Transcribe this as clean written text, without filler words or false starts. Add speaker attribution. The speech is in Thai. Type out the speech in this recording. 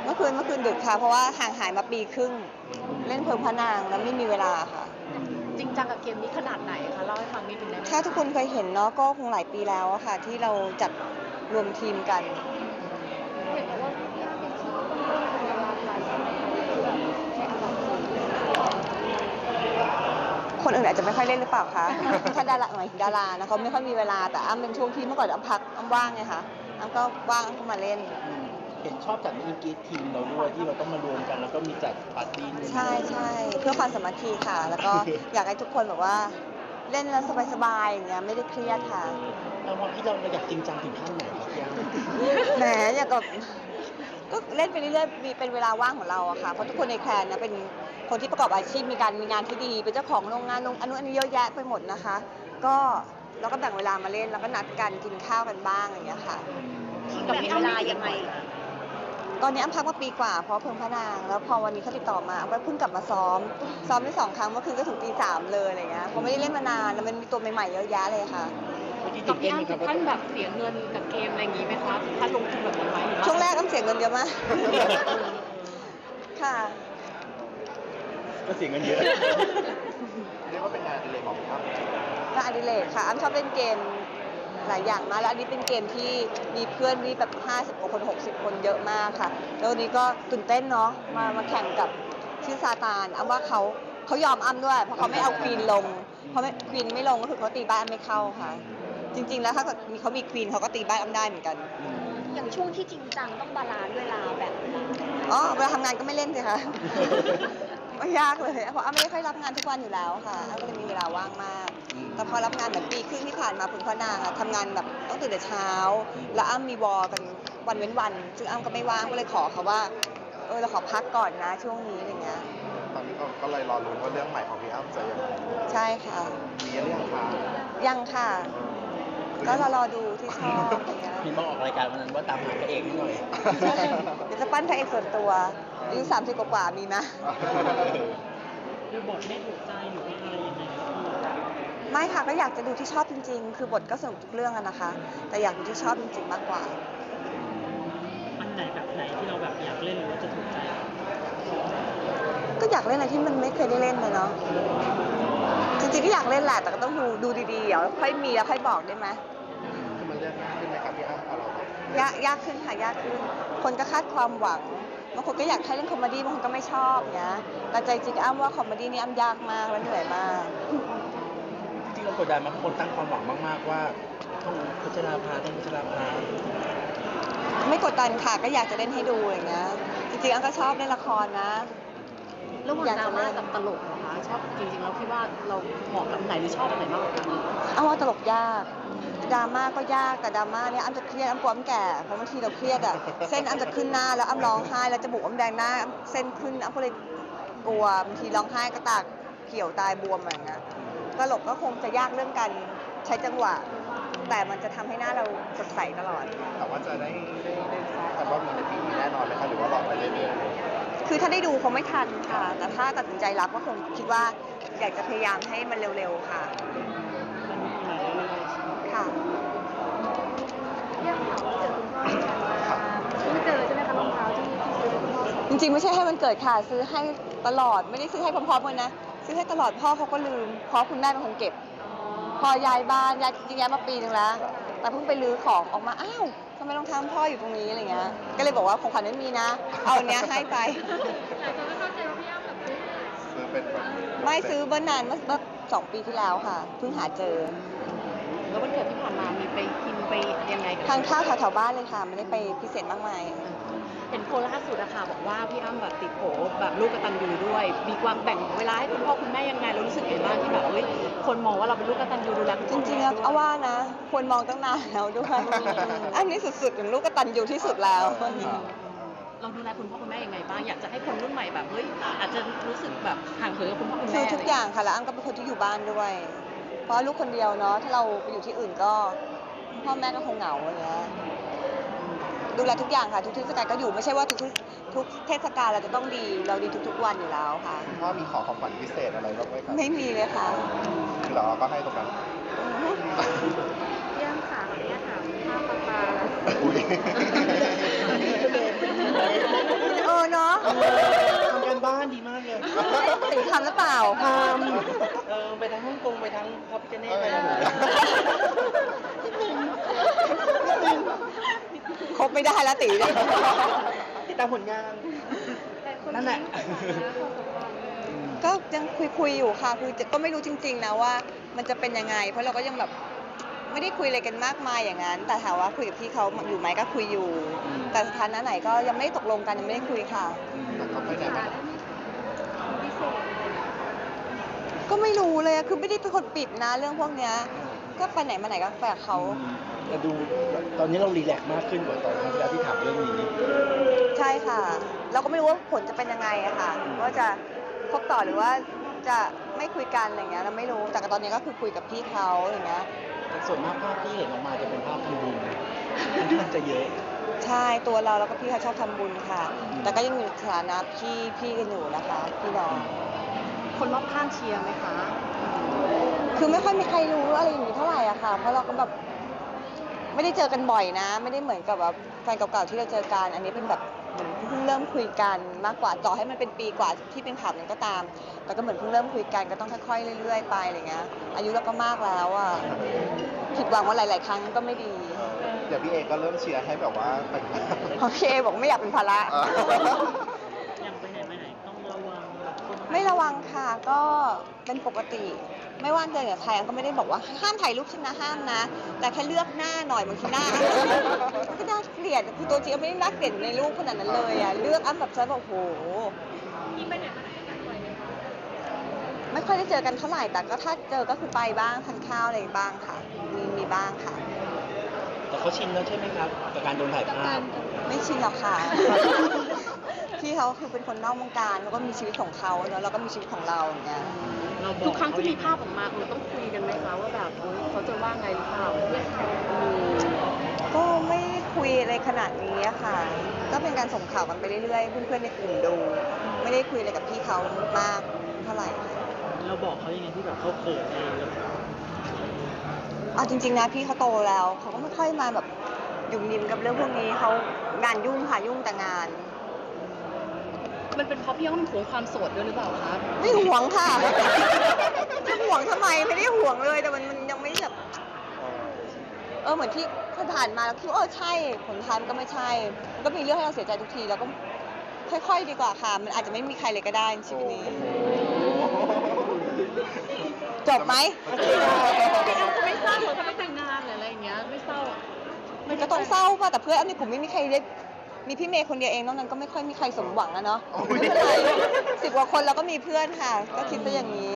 Speaker 1: เมื่อคืนดึกค่ะเพราะว่าห่างหายมาปีครึ่งเล่นเพลิงพระนางแล้วไม่มีเวลาค่ะ
Speaker 2: จริงจังกับเกมนี้ขนาดไหนคะเล่าให้ฟังนิดนึงได้ไหม
Speaker 1: ถ้าทุกคนเคยเห็นเนาะก็คงหลายปีแล้วอะค่ะที่เราจัดรวมทีมกัน
Speaker 2: เห็นว่าพี่อ้ำเป็นที่ต้องเล่นเป็นดาราไทยใช่ไหมคะใช้อันดับสูง
Speaker 1: คนอื่นอาจจะไม่ค่อยเล่นหรือเปล่าคะถ้าดาราหมายถึงดารานะเขาไม่ค่อยมีเวลาแต่อ้ำเป็นช่วงที่เมื่อก่อนอ้ำพักอ้ำว่างไงคะอ้ำก็ว่างอ้ำก็มาเล่น
Speaker 3: เห็นชอบจัดมินิกีตทีมเราด้วยที่เราต้องมารวมกันแล้วก็มีจัดปาร์ตี้นู่น
Speaker 1: ใช่เพื่อความสามัคคีค่ะแล้วก็อยากให้ทุกคนแบบว่าเล่นแล้วสบายๆอย่างเงี้ยไม่ได้เครียดค่ะ
Speaker 3: แล้ววันที่เราอยากจริงจังถึงขั้นไหนครับพี่อ้ำ
Speaker 1: แหมอยากกับก็เล่นไปเรื่อยๆมีเป็นเวลาว่างของเราอะค่ะเพราะทุกคนในแคลนนะเป็นคนที่ประกอบอาชีพมีงานที่ดีเป็นเจ้าของโรงงานอันนู้นอันนี้เยอะแยะไปหมดนะคะก็เราก็แบ่งเวลามาเล่นแล้วก็นัดกันกินข้าวกันบ้างอย่างเงี้ยค่ะ
Speaker 2: กับเวลายังไง
Speaker 1: ตอนนี้อ้ำพักมาปีกว่าเพราะเพิ่งพระนางแล้วพอวันนี้เขาติดต่อมาอ้ำก็เพิ่งกลับมาซ้อมได้2 ครั้งเมื่อคืนก็ถึงตี 3เลยอะไรเงี้ยเพราะไม่ได้เล่นมานานแล้วมันมีตัวใหม่ๆเยอะแยะเลยค่ะ
Speaker 2: กับพี่อ้ำถึงขั้นแบบเสียเงินกับเกมอะไรอย่างงี้ไหมคะถ้าลงทุนแบบนี้ไหม
Speaker 1: ช่วงแรกอ้ำเสียเงินเยอะมากค่ะ
Speaker 3: ก็เสียเงินเยอะ
Speaker 4: เรียกว่าเป็นงานอดิเรกของพี่อ้ำ
Speaker 1: งานอดิเรกค่ะอ้ำชอบเล่นเกมหลายอย่างมากแล้วอันนี้เป็นเกมที่มีเพื่อนมีแบบ50 กว่าคน60 คนเยอะมากค่ะแล้ววันนี้ก็ตื่นเต้นเนาะมาแข่งกับชื่อซาตานอ้ำว่าเขายอมอ้ำด้วยเพราะเขาไม่เอาควีนลงเพราะควีนไม่ลงก็คือเขาตีบ้านไม่เข้าค่ะจริงๆแล้วถ้าเกิดเขามีควีนเขาก็ตีบ้านอ้ำได้เหมือนกัน
Speaker 2: อย่างช่วงที่จริงจังต้องบาลานซ์เวลาแบบไหน
Speaker 1: อ๋อเวลาทำงานก็ไม่เล่นสิคะไม่ยากเลยเพราะอ้ำไม่ได้ค่อยรับงานทุกวันอยู่แล้วค่ะอ้ำก็เลยมีเวลาว่างมากแต่พอรับงานเหมือนปีครึ่งที่ผ่านมาพึ่งพระนางอะทำงานแบบต้องตื่นแต่เช้าแล้วอ้ำมีวอลกันวันเว้นวันซึ่งอ้ำก็ไม่ว่างก็เลยขอเขาว่าเราขอพักก่อนนะช่วงนี้อะไรเงี้ย
Speaker 4: ตอนนี้ก็เลยรอลุ้นว่าเรื่องใหม่ของพี่อ้ำจะยังไง
Speaker 1: ใช่ค่ะ
Speaker 4: มีเรื่องคะ
Speaker 1: ยังค่ะก็รอดูที่ชอบอย่างเงี้ย
Speaker 3: พี่บอกออกรายการวันนั้นว่าตามหาพระเอกนิดหน่อย
Speaker 1: เดี๋ยวจะปั้นพระเอกส่วนตัวอายุ30 กว่ามีไหม
Speaker 3: คือบทไม่ถูกใจหรือว่าอะไรยังไง
Speaker 1: ไม่ค่ะก็อยากจะดูที่ชอบจริงๆคือบทก็สนุกทุกเรื่องอะนะคะแต่อยากดูที่ชอบจริงๆมากกว่า
Speaker 3: อันไหนแบบไหนที่เราแบบอยากเล่นหรือว่าจะถูกใจ
Speaker 1: ก็อยากเล่นอะไรที่มันไม่เคยได้เล่นเลยเนาะจริงๆก็อยากเล่นแหละแต่ก็ต้องดูดีๆเดี๋ยวค่อยมีแล้วค่อยบอกได้ไหม
Speaker 4: คือมันเรื่องยากขึ้นไหมครับพี่อ้ำพอเราแบบ
Speaker 1: ยากขึ้นค่ะยากขึ้นคนก็คาดความหวังบางคนก็อยากให้เล่นคอมเมดี้บางคนก็ไม่ชอบเงี้ยแต่ใจจริงอ้ำว่าคอมเมดี้นี่อ้ำยากมากและเหนื่อยมาก
Speaker 3: จริงเรากดดันมากคนตั้งความหวังมากๆว่าต้องพัชราภา
Speaker 1: ไม่กดดันค่ะก็อยากจะเล่นให้ดูอย่างเงี้ยจริงๆอ้ำก็ชอบเล่นละครนะ
Speaker 2: ระหว่างดราม่ากับตลกเหรอคะชอบจริงๆแล้วคิดว่าเราเหมาะกับไหนหรือชอบอันไหนมากกว่ากัน
Speaker 1: อ้ำว่าตลกยากดราม่าก็ยากแต่ดราม่าเนี่ยอ้ำจะเครียดอ้ำกลัวอ้ำแก่เพราะบางทีเราเครียดอะเส้นอ้ำจะขึ้นหน้าแล้วอ้ำร้องไห้แล้วจมูกอ้ำแดงหน้าเส้นขึ้นอ้ำก็เลยกลัวบางทีร้องไห้ก็ตาเขียวตายบวมอะไรอย่างเงี้ยตลกก็คงจะยากเรื่องการใช้จังหวะแต่มันจะทำให้หน้าเราสดใสตลอด
Speaker 4: แต่ว่าจะได้ทราบกันว่ามีในปีนี้แน่นอนไหมคะหรือว่ารอไปเรื่อย
Speaker 1: ๆคือถ้าได้ดูคงไม่ทันค่ะแต่ถ้าตัดสินใจรับก็คงคิดว่าอยากจะพยายามให้มันเร็วๆค่ะค่ะ
Speaker 2: เรื่องข่าวเจอคุณพ่อที่ผ่านมาไม่เจอใช่ไหมคะรองเท้าที่ซื้อคุณพ่อ
Speaker 1: จริงๆไม่ใช่ให้มันเกิดค่ะซื้อให้ตลอดไม่ได้ซื้อให้พร้อมๆกันนะซื้อให้ตลอดพ่อเขาก็ลืมเพราะคุณแม่เป็นคนเก็บพอย้ายบ้านย้ายจริงๆย้ายมาปีนึงแล้วแต่เพิ่งไปรื้อของออกมาอ้าวทำไมรองเท้าพ่ออยู่ตรงนี้อะไรเงี้ยก็เลยบอกว่าของขวัญไม่มีนะเอาเนี้ยให้ไป
Speaker 2: หลายคนก็เข้าใจว่าพี่อ้ำแบบ
Speaker 4: ซื้อเป็นแบบ
Speaker 1: ไม่ซื้อเมื่อนานเมื่อ2 ปีที่แล้วค่ะเพิ่งหาเจอ
Speaker 2: แล้ววันเกิดที่ผ่านมามีไปกินไปยังไง
Speaker 1: ทานข้าวแถวๆบ้านเลยค่ะไม่ได้ไปพิเศษมากมาย
Speaker 2: เห็นโพลล่าสุดอะค่ะบอกว่าพี่อ้ำแบบติดโผแบบลูกกตัญญูด้วยมีความแบ่งเวลาให้คุณพ่อคุณแม่ยังไงเรารู้สึกยังไงบ้างที่แบบคนมองว่าเราเป็นลูกกตัญญูดูแล
Speaker 1: จริงๆแล้วเอาว่านะควรมองตั้งนานแล้วด้วยอันนี้สุดๆอย่างลูกกตัญญูที่สุดแล้ว
Speaker 2: เราดูแลคุณพ่อคุณแม่ยังไงบ้างอยากจะให้คนรุ่นใหม่แบบอาจจะรู้สึกแบบห่างเหินกับคุณพ่อคุณแม่
Speaker 1: ทุกอย่างค่ะแล้วอ้ำก็เป็นคนที่อยู่บ้านด้วยเพราะลูกคนเดียวเนาะถ้าเราไปอยู่ที่อื่นก็พ่อแม่ก็คงเหงาอย่างเงี้ยดูแลทุกอย่างค่ะทุกเทศกาลก็อยู่ไม่ใช่ว่าทุกเทศกาลเราจะต้องดีเราดีทุกๆวันอยู่แล้วค่ะ
Speaker 4: พ่อมีของขวัญพิเศษอะไรบ้างไหมครับ
Speaker 1: ไม่มีเลยค่ะ
Speaker 4: คือเราก็ให้ตรงนั้น
Speaker 2: เรื่องค่ะเนี่ยถามค่าปลาแล้ว
Speaker 1: เปล่า
Speaker 3: ไปทั้งฮ่องกงไปทั้งพระพิฆเนศไปหมด
Speaker 1: ครบไม่ได้แล้วตีเนี่ย
Speaker 3: ติดตามผลงาน นั่นแหละ
Speaker 1: ก็ยังคุยอยู่ค่ะคือก็ไม่รู้จริง ๆนะว่ามันจะเป็นยังไง เพราะเราก็ยังแบบไม่ได้คุยอะไรกันมากมายอย่างนั้น แต่ถามว่าคุยกับพี่เขาอยู่ไหมก็คุยอยู่ แต่สถานะไหนก็ยังไม่ได้ตกลงกันยังไม่ได้คุยค่ะ
Speaker 4: แต่เขาไปไหนมาไหน
Speaker 1: ก็ไม่รู้เลยอะคือไม่ได้เป็นคนปิดนะเรื่องพวกเนี้ยก็ไปไหนมาไหนก็ไปกับเขา
Speaker 3: แต่ดูตอนนี้เรารีแลกซ์มากขึ้นกว่าตอนครั้งที่แล้วที่ถามเรื่องนี้
Speaker 1: ใช่ค่ะ เราก็ไม่รู้ว่าผลจะเป็นยังไงอะค่ะว่าจะคบต่อหรือว่าจะไม่คุยกันอะไรเงี้ยเราไม่รู้แต่ตอนนี้ก็คือคุยกับพี่เขาอย่างเงี้ย
Speaker 3: แต่ส่วนมากภาพที่เห็นออกมาจะเป็นภาพทำบุญค่อนข้างจะเยอะ
Speaker 1: ใช่ตัวเราแล้วก็พี่เขาชอบทำบุญค่ะ แต่ก็ยังอยู่สถานะพี่กันอยู่นะคะพี่น้อง
Speaker 2: คนรอบข้างเชียร์ไหมคะ
Speaker 1: คือไม่ค่อยมีใครรู้อะไรอย่างนี้เท่าไหร่อะค่ะ เพราะเราก็แบบไม่ได้เจอกันบ่อยนะ ไม่ได้เหมือนกับแบบแฟนเก่าๆที่เราเจอกัน อันนี้เป็นแบบเหมือนเพิ่งเริ่มคุยกันมากกว่าต่อให้มันเป็นปีกว่าที่เป็นข่าวนั้นก็ตาม แต่ก็เหมือนเพิ่งเริ่มคุยกันก็ต้องค่อยๆเรื่อยๆไปอะไรเงี้ย อายุเราก็มากแล้วอะผิดหวังว่าหลายๆครั้งก็ไม่ดี
Speaker 4: เดี๋ยวพี่เอก็เริ่มเชียร์ให้แบบว่าแต่งงาน
Speaker 1: เพราะพี่เอบอกไม่อยากเป็นภาระ
Speaker 3: อย่างไปไหนมาไหนต้องระวังแบบคน
Speaker 1: ไม่ระวังค่ะก็เป็นปกติ ไม่ว่าเจอกับใครอันก็ไม่ได้บอกว่าห้ามถ่ายรูปฉันนะห้ามนะ แต่แค่เลือกหน้าหน่อยบางทีหน้ามันก็น่าเกลียดคือตัวจริงไม่ได้น่าเกลียดในรูปขนาดนั้นเลยอ่ะเลือกอ้ำแบบฉันบอกโหไม่ค่อยได้เจอกันเท่าไหร่แต่ก็ถ้าเจอก็คือไปบ้างทานข้าวอะไรบ้างค่ะมีบ้างค่ะ
Speaker 3: แต่เขาชินแล้วใช่ไหมครับกับการโดนถ่ายภาพ
Speaker 1: ไม่ชินหรอกค่ะ พี่เขาคือเป็นคนนอกวงการแล้วก็มีชีวิตของเขาเนอะเราก็มีชีวิตของเราอย่างเงี้ย
Speaker 2: ทุกครั้งที่มีภาพออกมาคุณต้องคุยกันไหมคะว่าแบบเฮ้ยเขาจะว่าไงหรือเปล่า
Speaker 1: ก็ไม่คุยอะไรขนาดนี้อะค่ะ ก็เป็นการส่งข่าวกันไปเรื่อยๆ เพื่อนๆในกลุ่มดู ไม่ได้คุยอะไรกับพี่เขามากเท่าไหร่ค่ะ
Speaker 3: เราบอกเขายังไงที่แบบเขาเขินเองแล้ว
Speaker 1: เอาจริงๆนะพี่เขาโตแล้วเขาก็ไม่ค่อยมาแบบยุ่งยิมกับเรื่องพวกนี้เขางานยุ่งค่ะยุ่งแต่งาน
Speaker 2: มันเป็นเพราะพี่อ้อมหวงความโสดด้วยหรือเปล่าคะ
Speaker 1: ไม่หวงค่ะ จะหวงทำไมไม่ได้หวงเลยแต่มันยังไม่แบบเหมือนที่ผ่านมาแล้วคิดว่าใช่ผลท้ายมันก็ไม่ใช่มันก็มีเรื่องให้เราเสียใจทุกทีแล้วก็ค่อยๆดีกว่าค่ะ มันอาจจะไม่มีใครเลยก็ได้ในชีวิตนี้ จบไหม
Speaker 2: ไม่เศร้าเหรอถ้าไม่แต่งงานหรืออะไรอย่างเงี้ยไม่เศร้าอะ
Speaker 1: มันก็ต้องเศร้าป่ะแต่เพื่อนในกลุ่มไม่มีใครได้มีพี่เมย์คนเดียวเองนอกนั้นก็ไม่ค่อยมีใครสมหวังอะเนาะไม่เป็นไร10 กว่าคนเราก็มีเพื่อนค่ะ ก็คิดซะอย่างนี้